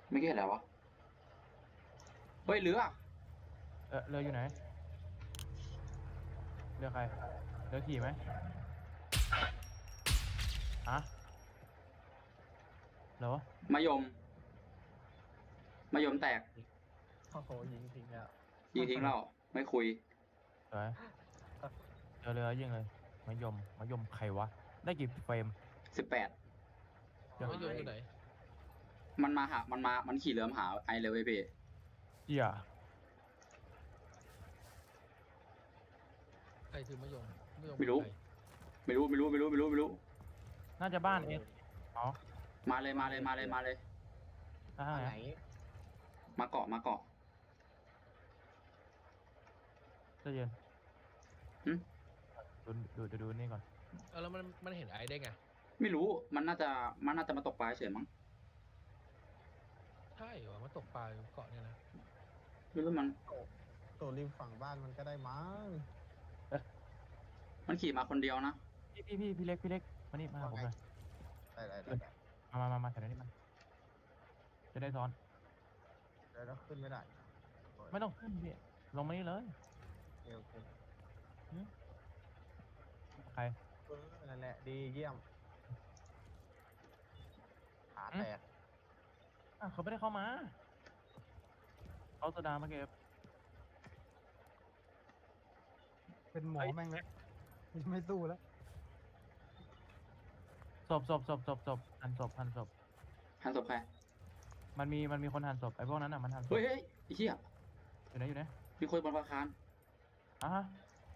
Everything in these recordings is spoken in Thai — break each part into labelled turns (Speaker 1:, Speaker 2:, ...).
Speaker 1: ไม่เก็ตแล้ววะเฮ้ยเรือ
Speaker 2: เรืออยู่ไหนเรือใครเรือขี่ไหมฮะเหรอ
Speaker 1: มะยมมะยมแตก
Speaker 3: โอ้โหยิงทิ้งแล้ว
Speaker 1: ยิงทิ้งเราไม่คุย
Speaker 2: สวยเรือยิงเลยมะยมใครวะได้กี่เฟรม
Speaker 1: 18
Speaker 2: เดี๋ยว
Speaker 4: มะยมอยู่ไหน
Speaker 1: มันมาหามันขี่เรือมาหาไอเลยเว้ยพี่
Speaker 2: เหี้ย
Speaker 4: ใครคือมะยมมะยม
Speaker 1: ไม่รู้
Speaker 4: ใค
Speaker 1: ไม่รู้
Speaker 2: น่าจะบ้านเอสอ๋อ
Speaker 1: มาเลย
Speaker 2: ทางไหน
Speaker 1: มาเกาะ
Speaker 2: ใจเย็น
Speaker 1: หึ
Speaker 2: ดูนี่ก่อน
Speaker 4: แล้วมันเห็นไอ้ได้ไง
Speaker 1: ไม่รู้มันน่าจะมาตกปลาเฉยมั้ง
Speaker 4: ใช่เหรอมันตกปลาอยู่เกาะเนี่ยนะ
Speaker 1: ไม่รู้มัน
Speaker 3: ตัวริมฝั่งบ้านมันก็ได้มั้ง
Speaker 1: มันขี่มาคนเดียวนะ
Speaker 2: พี่เล็กมานี่มาหาผมหน่อย
Speaker 3: ได้
Speaker 2: มาแถวนี้มันจะได้ซ้อน
Speaker 3: เดี๋ยวเราขึ้นไม่ได้
Speaker 2: ไม่ต้องขึ้นพี่ลงมานี่เลย
Speaker 3: โอเค
Speaker 2: ใคร
Speaker 3: นั่นแหละดีเยี่ยมขาแตก
Speaker 2: เขาไม่ได้เข้ามาเขาโซดามาเก็บ
Speaker 5: เป็นหมอแม่งแล้วไม่สู้แล้ว
Speaker 2: ศพหั่นศพ
Speaker 1: หันศพใคร
Speaker 2: มันมีคนหั่นศพไอ้พวกนั้นอ่ะมันหั่นศพ
Speaker 1: เฮ้ยไอ้เหี้ย
Speaker 2: อยู่ไหน
Speaker 1: มีคนบนอาคาร
Speaker 2: อ่ะฮะ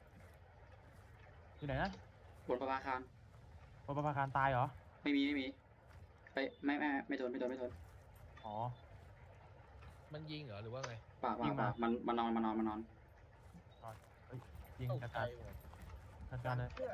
Speaker 2: อยู่ไหนนะ
Speaker 1: บนอาคาร
Speaker 2: ปปภาคารตายเหรอ
Speaker 1: ไม่มีไปไม่โดน
Speaker 2: อ๋อ
Speaker 4: มันยิงเหรอหรือว่าไง
Speaker 1: ป่า
Speaker 2: ยิงมา
Speaker 1: มันนอน
Speaker 2: ยิง
Speaker 3: ตก
Speaker 2: จัด
Speaker 3: ใจ
Speaker 2: การเลย
Speaker 3: เพื่อ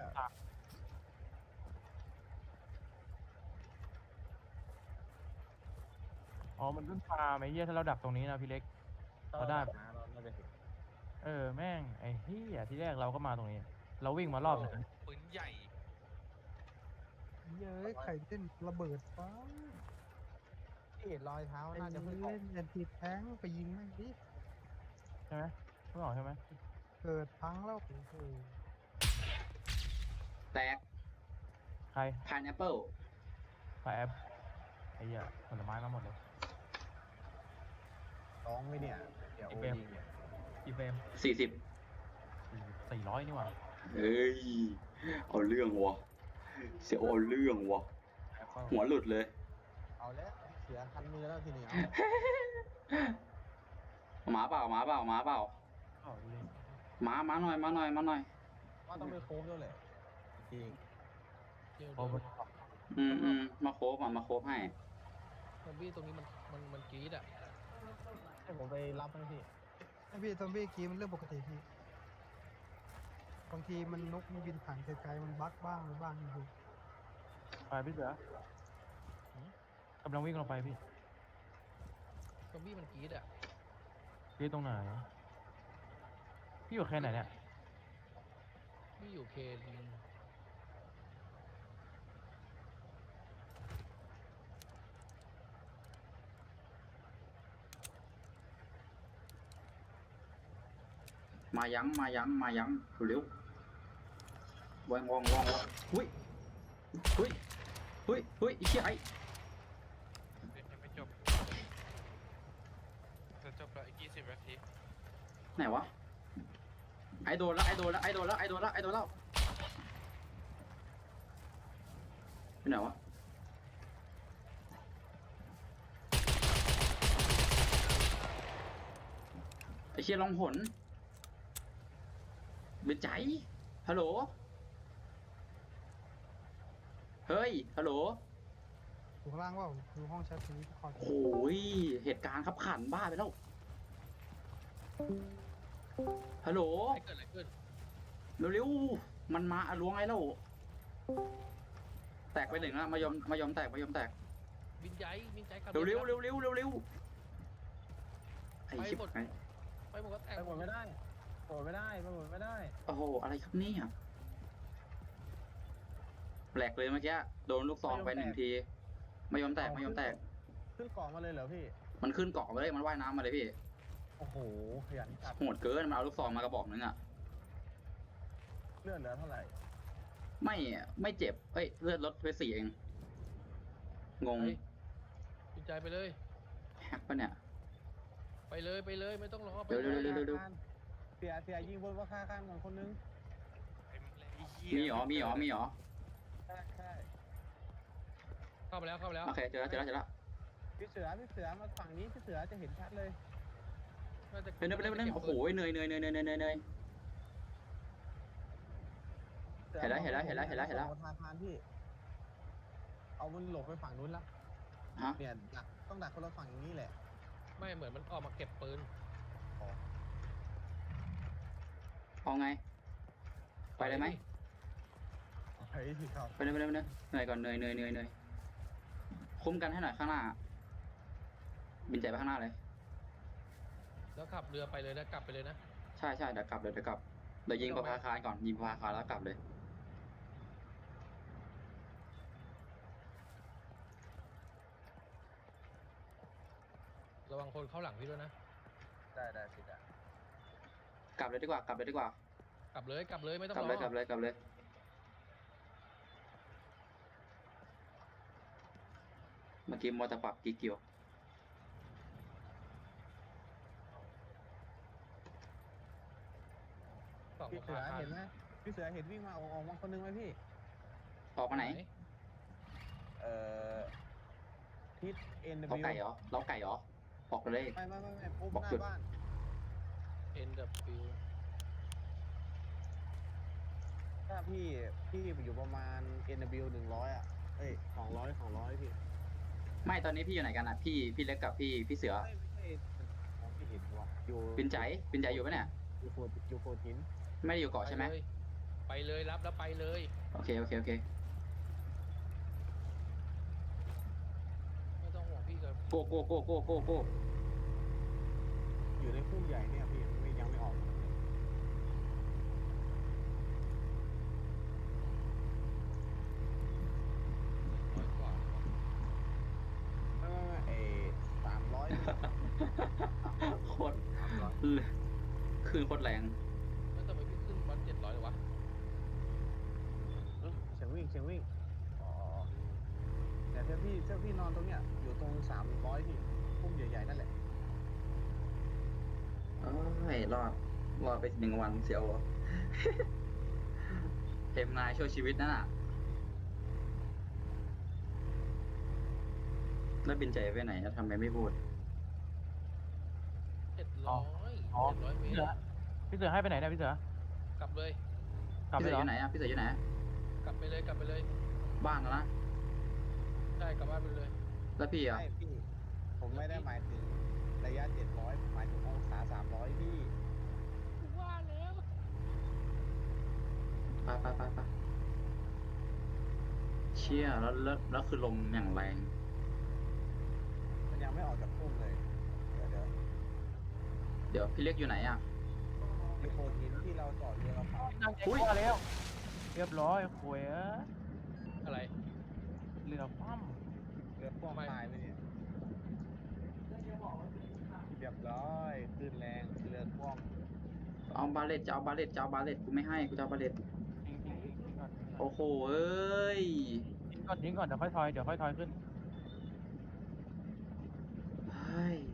Speaker 2: อ๋อมันเพิ่งพาไอ้เหี้ยถ้าเราดักตรงนี้นะพี่เล็ก เราได้
Speaker 3: นะเราน่าจะเห็น
Speaker 2: แม่งไอ้เหี้ยที่แรกเราก็มาตรงนี้ เราวิ่งมารอบนึง
Speaker 6: ปืนใหญ่
Speaker 5: เย้ยไข่เต้นระเบิดป้า
Speaker 3: ที่เห็นรอยเท้า
Speaker 5: ไอ้
Speaker 3: น่าจะเพิ่งออ
Speaker 5: เล่
Speaker 3: ก
Speaker 5: นแอนตี้แท้งไปยิงแม่งดิ
Speaker 2: ใช่ไหมไม่ออกใช่ไหม
Speaker 5: เกิดพังแล้วโอ้โห
Speaker 1: แตก
Speaker 2: ใคร
Speaker 1: พายแอปเปิล
Speaker 2: ไฟแอปไอ้เหี้ยผลไม้มาหมดเลย
Speaker 3: ร้องไหมเนี่ย เดี๋ยวโอ
Speaker 2: อีเฟรม
Speaker 3: ดีเนี่ย
Speaker 2: กี่เฟรม
Speaker 1: 40
Speaker 2: 400นี่หว่า
Speaker 1: เฮ้ยเอาเรื่องวะเสียวเอาเรื่องวะ
Speaker 2: แอปเปิล
Speaker 1: หัวหลุดเลย
Speaker 3: เอาแล้วเสียคันมือแล้วทีนี้เอา
Speaker 1: หมาเปล่า
Speaker 2: อ๋อดูดิ
Speaker 1: หมาหน่อย
Speaker 3: ว่าต้องไปโค้งด้วยแหละจริง
Speaker 4: เดี๋ยว
Speaker 2: โอ้โห
Speaker 1: มาโคบให้
Speaker 4: ซอมบี้ตรงนี้มันกรี๊ดอ่ะ
Speaker 3: ให้ผมไปรับให้พี่
Speaker 5: ไอพี่ซอมบี้กีมันเรื่องปกติพี่บางทีมันนกมันบินผ่านไกลๆมันบั๊กบ้างหรือบ้างอยู่
Speaker 2: ไปพี่เสือกำลังวิ่งลงไปพี่
Speaker 4: ซอมบี้มันกรี๊ดอ่ะ
Speaker 2: พี่ตรงไหนพี่อยู่แค่ไหนเนี่ย
Speaker 4: ไม่อยู่เคน
Speaker 1: มายังเร็ววางหุ้ยไอ้เหี้ยไอ้
Speaker 6: ยังไม่จบจะจบแล้วอีก20 นาที
Speaker 1: ไหนวะไอ้โดนแล้วไปไหนวะไอ้เชี่ยลองหนเบ็ดใจฮัลโหลเฮ้ยฮัลโหล
Speaker 5: อยู่ข้างล่างว่าอยู่ห้องแชททีคอร์ด
Speaker 1: โอ้ยเหตุการณ์ขับขันบ้าไปแล้วฮัลโหล
Speaker 4: ไอ้เกิดอะไรขึ้น
Speaker 1: เร็วๆมันมาล้วงไอ้แล้วแตกไปหนึ่งแล้วมายอมแตก
Speaker 4: วินใจกลับ
Speaker 1: เร็วไอ้ชิบไง
Speaker 4: ไปหมดก็แตก
Speaker 3: ไปหมดไม่ได้โหดไม่ได้ไปหมดไม่ได้
Speaker 1: โอ้โหอะไรครับเนี่ยแปลกเลยเมื่อกี้โดนลูกซองไป1 ทีมายอมแตก
Speaker 3: ขึ้นเกาะมาเลยเหรอพี่
Speaker 1: มันขึ้นเกาะมาเลยมันว่ายน้ำมาเลยพี่
Speaker 3: โอ้โหขยันจัด
Speaker 1: โหดเกินมันเอาลูกซองมากระบอกนึงอะ
Speaker 3: เลือดเหลือเท่าไหร่
Speaker 1: ไม่เจ็บเอ้ยเลือดลดไป4เองงง
Speaker 4: เฮ้ยบินใจไปเลย
Speaker 1: แฮกปะเนี่ย
Speaker 4: ไปเลยไปเลยไม่ต้องรอไป
Speaker 1: เร็ว
Speaker 4: เลย
Speaker 1: เร็ว
Speaker 3: เสียยิงบนว่าฆ่าข้างก่อนคนนึง
Speaker 6: ไอ้เหี้ย
Speaker 1: มีหรอมีหรอมีหรอ
Speaker 3: ใช่ใช่
Speaker 4: เข้าไปแล้วเข้าไปแล้ว
Speaker 1: โอเคเจอแล้ว
Speaker 3: พี่เสือมาฝั่งนี้พี่เสือจะเห็นชัดเลย
Speaker 4: น่าจะ
Speaker 1: ไปเร็วโอ้โหเหนื่อย เห็นแล้ว
Speaker 3: ทานพี่เอามันหลบไปฝั่งนู้นละ
Speaker 1: ฮะ
Speaker 3: เนี่ยต้องดักคนละฝั่งอย่างนี้แหละ
Speaker 4: ไม่เหมือนมันออกมาเก็บปืน
Speaker 1: เอาไงไปเลยไหม
Speaker 3: เฮ้ยครับ
Speaker 1: ไปเลยเหนื่อยก่อนเหนื่อยคุ้มกันให้หน่อยข้างหน้าบินใจไปข้างหน้าเลย
Speaker 4: แล้วขับเรือไปเลยนะกลับไปเลยนะ
Speaker 1: ใช่เดี๋ยวกลับเดี๋ยวยิงประภาคารก่อนยิงประภาคารแล้วกลับเลย
Speaker 4: ระวังคนเข้าหลังพี่ด้วยนะ
Speaker 3: ได้สิจ้ะ
Speaker 1: กลับเลยดีกว่า
Speaker 4: กลับเลยไม่ต้อง
Speaker 1: กลับ
Speaker 4: ร
Speaker 1: เล
Speaker 4: อย
Speaker 1: เมื่อกี้มอเตอร์ปักกี่เกี่ยว
Speaker 4: สอง
Speaker 3: พี่เสือ
Speaker 4: ขา
Speaker 3: เห็นไหมพี่เสือเห็นวิ่งมาออกมาคนนึงไหมพี่
Speaker 1: ออกมาไหน
Speaker 3: ทิศ NW
Speaker 1: เราไก่เหรอออกไปเลย
Speaker 3: ไม่ปุ๊บ
Speaker 1: บอก
Speaker 3: หน้า
Speaker 1: จุด
Speaker 3: บ้าน
Speaker 4: เอ็นดับฟิว
Speaker 3: ถ้าพี่อยู่ประมาณ NW 100อ่ะเอ้ย200พี่
Speaker 1: ไม่ตอนนี้พี่อยู่ไหนกันอ่ะพี่เล็กกับพี่เสือ
Speaker 3: ไม่ใช่มองไม่เห็นวะอยู่
Speaker 1: บินใจอยู่ปะเนี่ย
Speaker 3: อยู่โฟทิน
Speaker 1: ไม่ได้อยู่เกาะใช่ไหม
Speaker 4: ไปเลยรับแล้วไปเลย
Speaker 1: โอเค
Speaker 4: ไม่ต้องห่วงพี่กับ
Speaker 1: โก้
Speaker 3: อยู่ในพุ่มใหญ่เนี่ยพี่ยังไม่ออก
Speaker 4: ร้อยกว่า
Speaker 3: ไม่300
Speaker 1: โคตรคืนโคตรแรง
Speaker 4: แล้วทำไมพี่ขึ้นวัน700เลยวะ
Speaker 3: เสียงวิ่งอ๋อแต่ถ้าพี่นอนตรงเนี้ยอยู่ตรง300พี่พุ่มใหญ่ๆนั่นแหละ
Speaker 1: รอดไป1 วันเสียว เทมนายช่วยชีวิตนั่นน่ะแล้วบินใจไปไหนทำไมไม่พูด
Speaker 4: 700 เม
Speaker 2: พี่
Speaker 4: ต
Speaker 2: เสื
Speaker 4: ร
Speaker 2: อให้ไปไหนเนี่ยพี่เสือก
Speaker 4: ลับเลย
Speaker 2: กลับ
Speaker 1: พี่
Speaker 2: ไป
Speaker 1: เสื
Speaker 2: เหรอ
Speaker 1: ออยู่ไหนอ่ะพี่เสืออยู่ไหน
Speaker 4: กลับไปเลย
Speaker 1: บ้านแล้วนะ
Speaker 4: ใช่กลับบ้านไปเลย
Speaker 1: แล้วพี่อ่ะ
Speaker 3: ใช่พี่ผมไม่ได้หมายถึงระยะ700หมายถึงองศา300พี่
Speaker 4: ว่าแล้ว
Speaker 1: ไปเชี่ยแล้วคือลมอย่างแรง
Speaker 3: มันยังไม่ออกจากพุ่มเลยเดี๋ยว
Speaker 1: เดี๋ยวพี่เล็กอยู่ไหนอ่ะ
Speaker 3: มีโฟทินที่เราจอดเรือเราผ่าน
Speaker 2: นั่งใจกว่าแล้ว เรียบร้อยโวย
Speaker 4: อะไร
Speaker 2: เรือคว่
Speaker 3: เรือพ่วงตายไปเนี่ยเรียบร้อยคลื่นแรงเรือพ่วง
Speaker 1: เอาบาเลตจะเอาบาเลตกูไม่ให้กูจะเอาบาเลต
Speaker 2: ำทิ้งก่อน
Speaker 1: โอ้โหเอ้ย
Speaker 2: ทิ้งก่อนเดี๋ยวค่อยทอยขึ้น
Speaker 1: เฮ้ย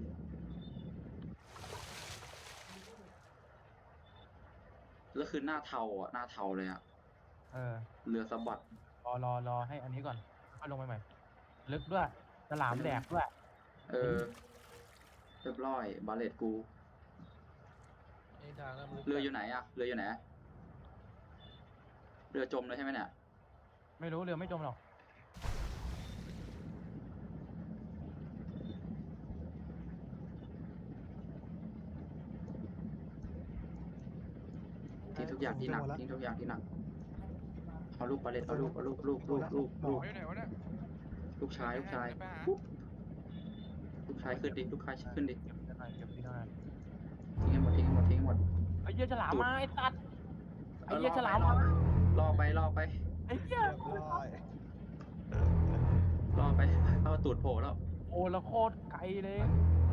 Speaker 1: แล้วคือหน้าเทาเลยอ่ะ
Speaker 2: เออ
Speaker 1: เรือสะบัด
Speaker 2: รอให้อันนี้ก่อนค่อยลงไปใหม่ ลึกด้วยฉลามแดกด้วย
Speaker 1: เรียบร้อยบาเลตกู
Speaker 4: ในทางน้ำลึก
Speaker 1: เรืออยู่ไหนอ่ะเรือจมเลยใช่ไหมเนี่ย
Speaker 2: ไม่รู้เรือไม่จมหรอก
Speaker 1: ทิ้งทุกอย่างที่หนักเอาลูกบาเลตเอาลูก
Speaker 6: หมออยู่ไหนวะเนี่ย
Speaker 1: ลูกชาย
Speaker 6: ไปหา
Speaker 1: ลูกชายขึ้นดิลูกชายขึ้นดิ
Speaker 2: เก็บที่หน่อย
Speaker 1: ทิ้งให้หมด
Speaker 2: ไอ้เหี้ยฉลามมาไอ้สัตว์ไอ้เหี้ย
Speaker 1: เออ
Speaker 2: ฉลามมา
Speaker 1: รอไป
Speaker 2: ไอ้เหี้ย
Speaker 3: เรียบร้อย
Speaker 1: เอาตูดโผล่แล้ว
Speaker 2: โอ้แล้วโคตรไกลเลย
Speaker 3: เ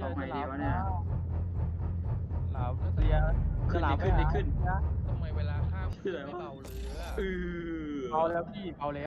Speaker 1: เอาไงดีวะเนี่ย
Speaker 2: หลามเรีย
Speaker 1: ขึ้น
Speaker 2: หลาม
Speaker 1: ดิขึ้นดิขึ้น
Speaker 4: ทำไมเวลาข้าม
Speaker 1: คืออะไรวะ
Speaker 4: ไม่เบาเรือ
Speaker 1: เออ
Speaker 2: เบาแล้วพี่เบาแล้ว